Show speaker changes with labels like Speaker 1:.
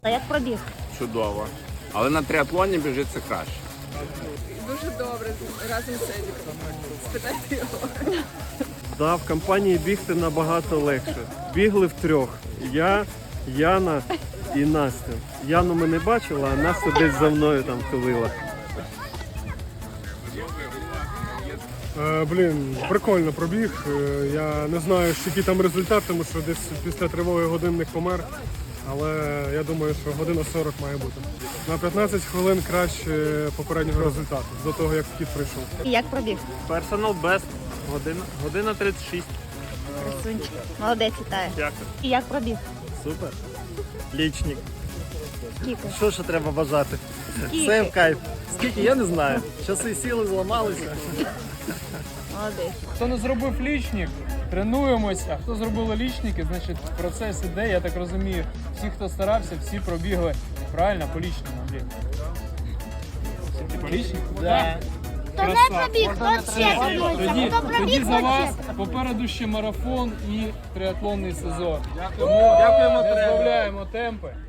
Speaker 1: А як пробіг?
Speaker 2: Чудово. Але на триатлоні біжиться краще.
Speaker 3: Дуже добре, разом з Едіком. Спитайте його.
Speaker 4: Да, в компанії бігти набагато легше. Бігли втрьох. Я, Яна і Настя. Яну ми не бачили, а Настя десь за мною там тулила.
Speaker 5: Блін, прикольно пробіг. Я не знаю, який там результат, тому що десь після тривоги годинник помер. Але я думаю, що година 40 має бути. На 15 хвилин краще попереднього результату, до того, як вхід прийшов.
Speaker 1: І як пробіг?
Speaker 4: Персонал бест. Година 36.
Speaker 1: Красунчик. Молодець, вітаю.
Speaker 4: Дякую.
Speaker 1: І як пробіг?
Speaker 4: Супер. Лічник.
Speaker 1: Скільки?
Speaker 4: Що ще треба бажати?
Speaker 1: Скільки?
Speaker 4: Все в кайф. Скільки, я не знаю. Часи сіли, зламалися.
Speaker 1: Молодець.
Speaker 6: Хто не зробив лічник, тренуємося. А хто зробили лічники, значить процес іде, я так розумію. Всі, хто старався, всі пробігли правильно по лічному, блін. По лічнику? Да.
Speaker 1: Хто не пробіг, хто ще
Speaker 6: Тоді,
Speaker 1: хто пробіг,
Speaker 6: тоді за
Speaker 1: хто
Speaker 6: вас
Speaker 1: ще.
Speaker 6: попереду ще марафон і триатлонний сезон. Тому дякуємо, розбавляємо темпи.